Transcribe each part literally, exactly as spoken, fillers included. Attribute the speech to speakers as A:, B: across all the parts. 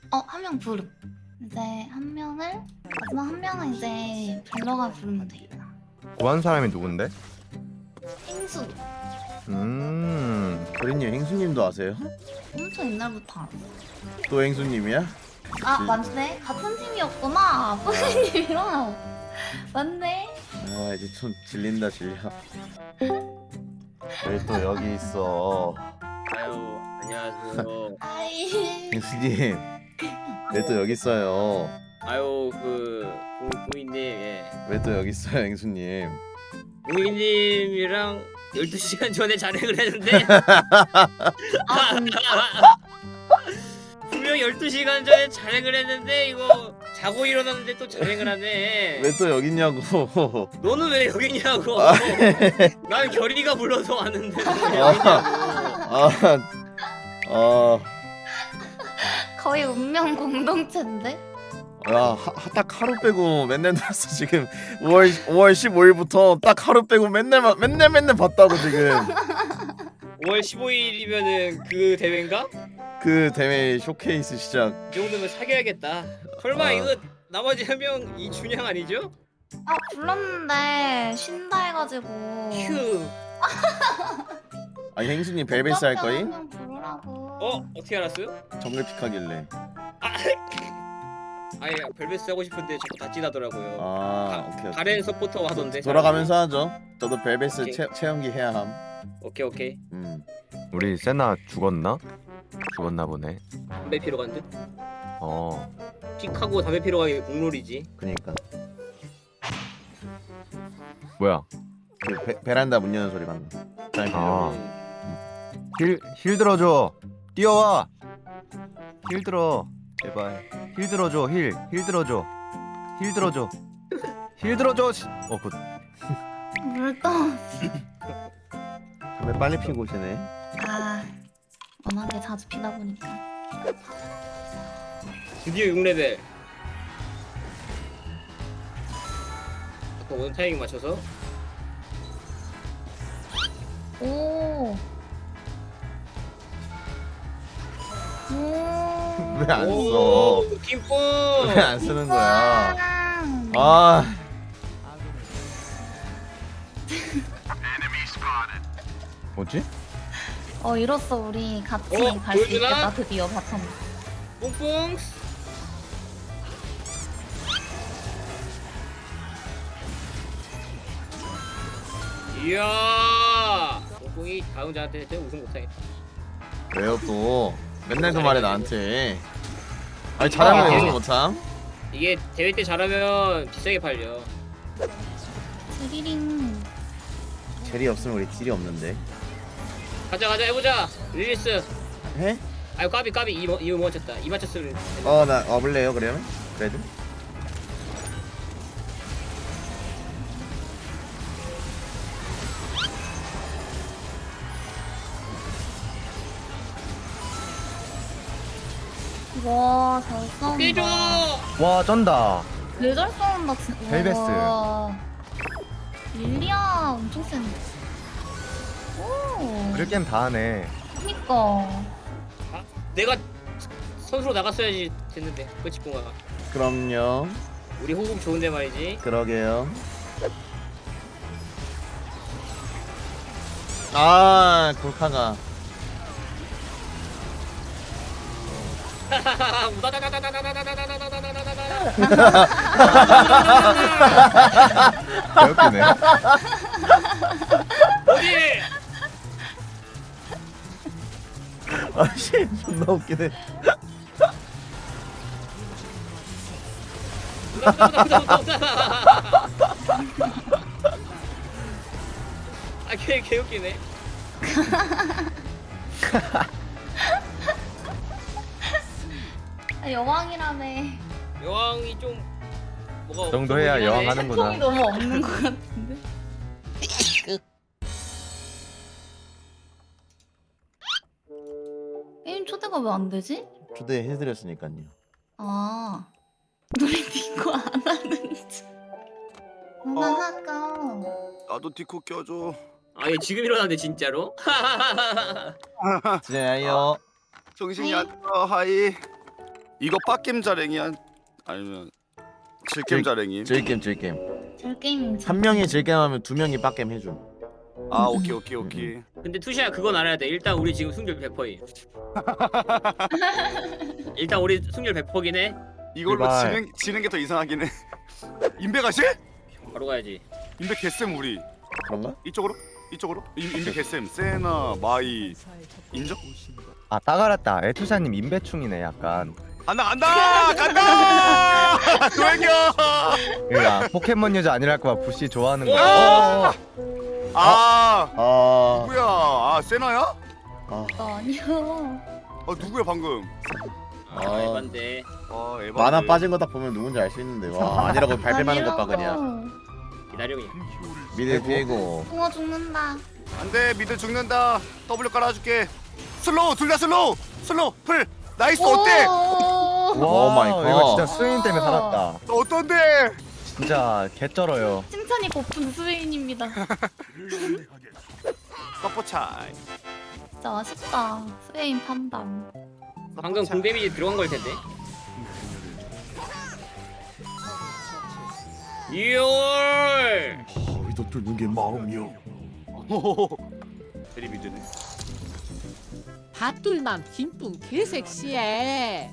A: 어, 한 명 부름. 이제 한 명을 마지막 한 명은 이제 딜러가 부르면 되겠다.
B: 구한 사람이 누군데?
A: 행수.
B: 음.
C: 도리님 행수님도 아세요?
A: 엄청 옛날부터 알아.
C: 또 행수님이야?
A: 아 맞네. 같은 팀이었구나. 뿌리님이랑. 맞네.
C: 아 이제 좀 질린다 질려. 왜 또 여기 있어?
D: 아유 안녕하세요.
A: 아이.
C: 행수님 왜 또 여기 있어요?
D: 아유 그 부인님 예.
C: 왜 또 여기 있어요 행수님?
D: 부인님이랑 열두 시간 전에 잔행을 했는데
A: 아 진짜?
D: 분명 열두 시간 전에 잔행을 했는데 이거 자고 일어났는데 또 잔행을 하네.
C: 왜 또 여기 있냐고?
D: 너는 왜 여기 있냐고.
C: 아.
D: 난 결이가 불러서 왔는데 너는 왜
C: 아.
D: 여기 있냐고.
C: 아, 아,
A: 거의 운명 공동체인데?
C: 야, 하, 딱 하루 빼고 맨날 들었어 지금. 오월 오월 십오일부터 딱 하루 빼고 맨날 마- 맨날 맨날 봤다고 지금.
D: 오월 십오일이면은 그 대회인가?
C: 그 대회 쇼케이스 시작.
D: 이 정도면 사귀어야겠다. 설마
C: 아.
D: 이거 나머지 한 명 이준영 아니죠?
A: 아 불렀는데 쉰다 해가지고.
D: 휴.
C: 아니 행수님 벨벳스 할 거임?
A: 한명 부르라고.
D: 어? 어떻게 알았어요?
C: 정글 픽하길래.
D: 아예 벨벳스 하고 싶은데 자꾸 다찌나더라고요.
C: 아, 오케이. 오케이.
D: 가렌 서포터 하던데.
C: 돌아가면서 하죠. 저도 벨벳스
D: 오케이.
C: 체, 체험기 해야 함.
D: 오케이 오케이.
C: 음.
B: 우리 세나 죽었나? 죽었나 보네.
D: 담배 피러 간 듯.
B: 어.
D: 픽하고 담배 피러 가기 공룰이지.
C: 그니까
B: 뭐야?
C: 그 베, 베란다 문 여는 소리 방금. 잘
B: 아.
C: 들려.
B: 힐, 힐 들어줘. 뛰어와. 힐 들어. 제발. 힐 들어줘. 힐. 힐 들어줘. 힐 들어줘. 힐 들어줘. 씨. 어, 굿.
A: 물떠.
C: 담배 빨리 피고 오시네.
A: 아 워낙에 자주 피다 보니까.
D: 드디어 육 레벨. 아까 오는 타이밍 맞춰서.
A: 오. 오.
C: 왜 안 써?
D: 오, 김뽕.
C: 왜 안 쓰는 거야?
A: 아.
C: 아.
B: 뭐지?
A: 어 이로써 우리 같이
D: 어,
A: 갈 수
D: 보여주나?
A: 있겠다 드디어 바텀.
D: 뽕뽕. 이야. 뽕뽕이 다음 자한테 우승 못하겠다.
C: 왜요 또? 맨날 그 말해 나한테. 아니 잘하면
D: 아,
C: 연습 못함?
D: 이게 대회 때 잘하면 비싸게 팔려.
A: 드리링.
C: 젤이 없으면 우리 딜이 없는데.
D: 가자 가자 해보자. 릴리스.
C: 해?
D: 아유 까비 까비 이거 이거 못 맞췄다. 이 맞췄으면.
C: 어 나 와볼래요 그러면? 그래도?
A: 와, 잘 싸운다.
D: 깨줘.
B: 와, 쩐다.
A: 되게 싸운다, 진짜.
B: 벨베스.
A: 와. 릴리아 엄청 센데. 오.
B: 그럴 게임 다 하네.
A: 그니까.
D: 아, 내가 선수로 나갔어야지 됐는데 끝이구나.
C: 그럼요.
D: 우리 호흡 좋은데 말이지.
C: 그러게요. 아 골카가.
B: 개웃기네.
D: 어디?
C: 아씨 존나 웃기네.
D: 아걔 개웃기네.
A: 아, 여왕이라며.
D: 여왕이 좀 뭐가
B: 그 정도
D: 없어
B: 해야
D: 보이긴 하네.
B: 여왕하는구나.
A: 통이 너무 없는 것 같은데. 게임 초대가 왜 안 되지?
C: 초대해드렸으니까요.
A: 아. 노래 듣고 안 하는지. 누나 할까?
E: 나도 디코 껴줘.
D: 아얘 지금 일어났네 진짜로.
C: 진짜요.
E: 정신이
A: 하이.
E: 안 들어. 하이. 이거 빡겜 자랭이야? 아니면 질겜
C: 질-
E: 자랭이?
C: 질겜 질겜.
A: 질 게임
C: 한 명이 질겜하면 두 명이 빡겜 해줌.
E: 아 오케이 오케이 오케이.
D: 근데 투시야 그건 알아야 돼. 일단 우리 지금 승률 백 퍼센트임. 일단 우리 승률 백 퍼센트긴 해.
E: 이걸로
B: 제발.
E: 지는 지는 게 더 이상하긴 해. 인베 가시?
D: 바로 가야지.
E: 인베 개쌤 우리
C: 그런가?
E: 이쪽으로 이쪽으로 인, 인베 개쌤 세나 마이 인정?
B: 아 따가랐다. 에투샤님 인배충이네 약간.
E: 간다 간다 간다 도행겨.
B: 그러니까 포켓몬 유저 아니랄까봐 부시 좋아하는 거.
E: 와!
B: 어,
E: 아
C: 아.
E: 누구야? 아 세나야?
C: 아.
A: 아니요.
E: 아 누구야 방금?
D: 아,
C: 아.
D: 에반데.
E: 아 에바.
C: 만화 빠진 거 딱 보면 누군지 알 수 있는데 와 아니라고 발뺌하는 것 봐 그냥.
D: 기다려 그냥.
C: 미드 피해고.
A: 붕어 죽는다.
E: 안돼 미드 죽는다. W 깔아줄게. 슬로우 둘 다 슬로우 슬로우 풀 나이스 어때?
A: 오.
C: 오 마이 갓.
B: 이거 진짜 스웨인 때문에 살았다.
E: 너 어떤데?
B: 진짜 개쩔어요.
A: 칭찬이 고픈 스웨인입니다.
E: 서포 차이.
A: 진짜 아쉽다. 스웨인 판단.
D: 방금 공 데미지 들어간 걸 텐데. 이월.
C: 이도 뚫는 게 마음이요.
E: 대리 미드네.
F: 밭둘남 김뿐 개섹시해.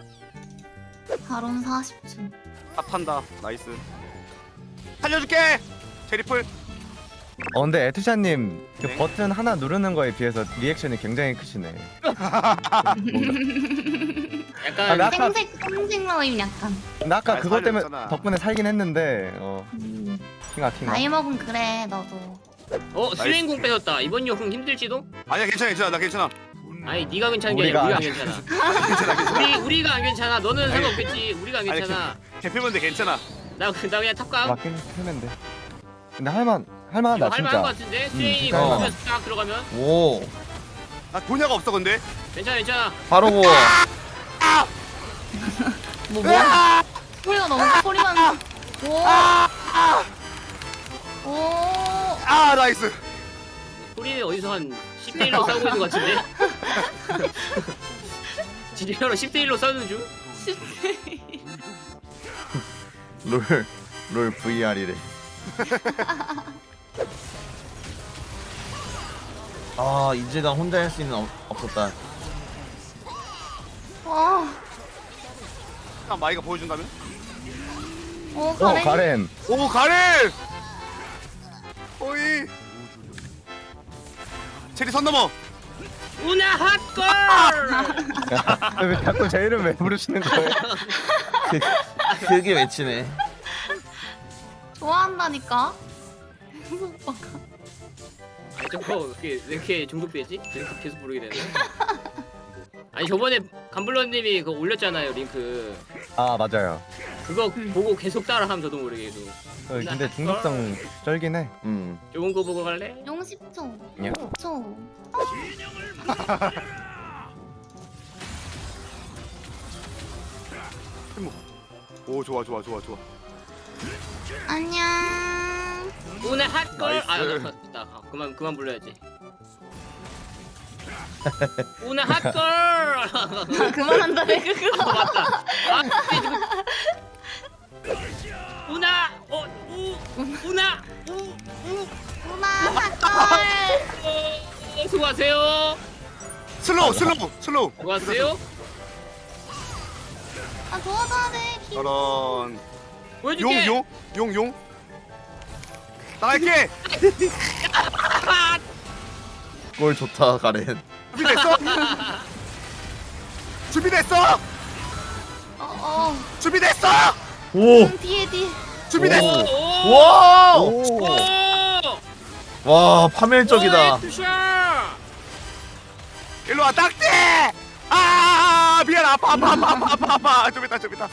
A: 바론 사십 초.
E: 탑한다 나이스. 살려줄게. 제리풀.
B: 어 근데 에투샤님 그
E: 네?
B: 버튼 하나 누르는 거에 비해서 리액션이 굉장히 크시네.
D: 약간
B: 아, 나- 아까-
A: 생색 생색 라임 약간.
B: 나 아까
E: 아,
B: 그것 때문에
E: 살렸잖아.
B: 덕분에 살긴 했는데 어
A: 음.
B: 킹아 킹아.
A: 나이 먹은 그래 너도.
D: 어 수행공 뺏었다. 이번 역은 힘들지도?
E: 아니야 괜찮아 괜찮아 나 괜찮아.
D: 아니 네가 괜찮은 게 아니라
B: 우리가
D: 우리가 안 괜찮아.
E: 괜찮아 괜찮아.
D: 우리 우리가 안 괜찮아. 너는 상관없겠지. 우리가 안
E: 아니,
D: 괜찮아.
E: 개표면돼 괜찮아.
D: 나, 그- 나 그냥 탑감.
B: 맞긴 했는데. 근데 할만 할만하다
D: 이거 할만한 거
B: 진짜.
D: 같은데? 수행이
B: 진짜
D: 거
C: 할만해.
D: 딱 들어가면
C: 오.
E: 나 돈야가 없어 근데.
D: 괜찮아 괜찮아.
C: 바로 뭐.
A: 뭐 뭐야? 소리가 너무 소리만. 오. 오.
E: 아 나이스.
D: 우리는 어디서 한 십 대 일로 싸우고 있는 것 같은데? 진짜로 십 대 일로 싸우는 중?
C: 롤. 롤 브이알이래. 아 이제가 혼자 할 수 있는 어, 없었다.
A: 와.
E: 아 마이가 보여준다면?
A: 오
B: 어
A: 가렌.
B: 가렌.
E: 오 가렌. 오이. 체리 선 넘어.
D: 우나 핫걸!
B: 왜 자꾸 제 이름 왜 부르시는 거예요?
C: 크게 외치네.
A: 좋아한다니까.
D: 아니 저거 왜 이렇게, 왜 이렇게 중독되지? 링크 계속 부르게 되네. 아니 저번에 감블러님이 그거 올렸잖아요 링크.
B: 아 맞아요.
D: 그거
A: 음.
D: 보고 계속 따라하면 저도 모르게 계속.
B: 어, 근데 중독성 쩔긴 해.
C: 음.
D: 좋은 거 보고 갈래?
A: 용 십 초.
B: 예.
A: 오 초.
E: 오 좋아 좋아 좋아 좋아.
A: 안녕.
D: 우나 핫걸! 아,
E: 나이스.
D: 나, 나, 나, 그만 그만 불러야지. 우나 핫걸!
A: 그만한다 내가 그거.
D: 아, 맞다. 아, 근데 지금 우나 어 우, 우나 우, 우.
A: 누나 핫걸.
D: 어, 수고하세요.
E: 슬로우 슬로우 슬로우.
D: 수고하세요.
A: 아 도와줘야 돼. 기-
E: 저런.
D: 보여줄게.
E: 용 용 용 용. 나갈게.
C: 골 좋다 가렌.
E: 준비됐어? 준비됐어?
A: 어 어.
E: 준비됐어?
C: 오.
A: 음, 뒤에 뒤에.
E: 준비됐어?
D: 오, 오,
C: 와.
B: 오.
D: 오.
C: 와 파멸적이다.
D: 오, 투샷.
E: 일로 와 딱지. 아 미안 아파 아파 아파 아파 아파 아파 좀 있다 좀 있다.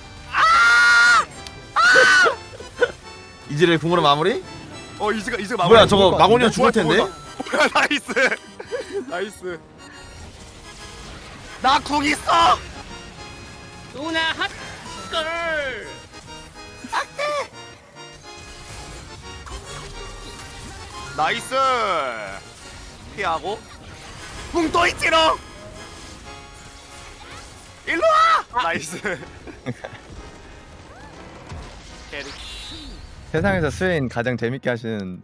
C: 이지를 궁으로 마무리?
E: 어 이즈가 이즈가 마무리.
C: 뭐야 저거 마고니가
E: 뭐야,
C: 죽을 텐데?
E: 뭐야, 뭐야 나이스 나이스. 나 궁 있어.
D: 우나 핫걸.
E: 나이스. 피하고 궁 또 있지롱. 일로 와. 나이스. 캐리.
B: 세상에서 스웨인 가장 재밌게 하시는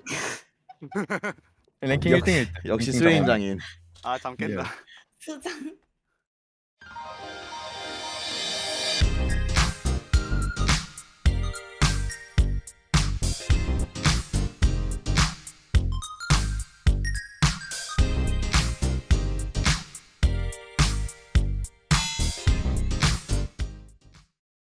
B: 랭킹
C: 역-
B: 일 등일 때.
C: 역시
B: 랭킹
C: 스웨인
B: 정원.
C: 장인.
E: 아 잠깐다.
A: 수장.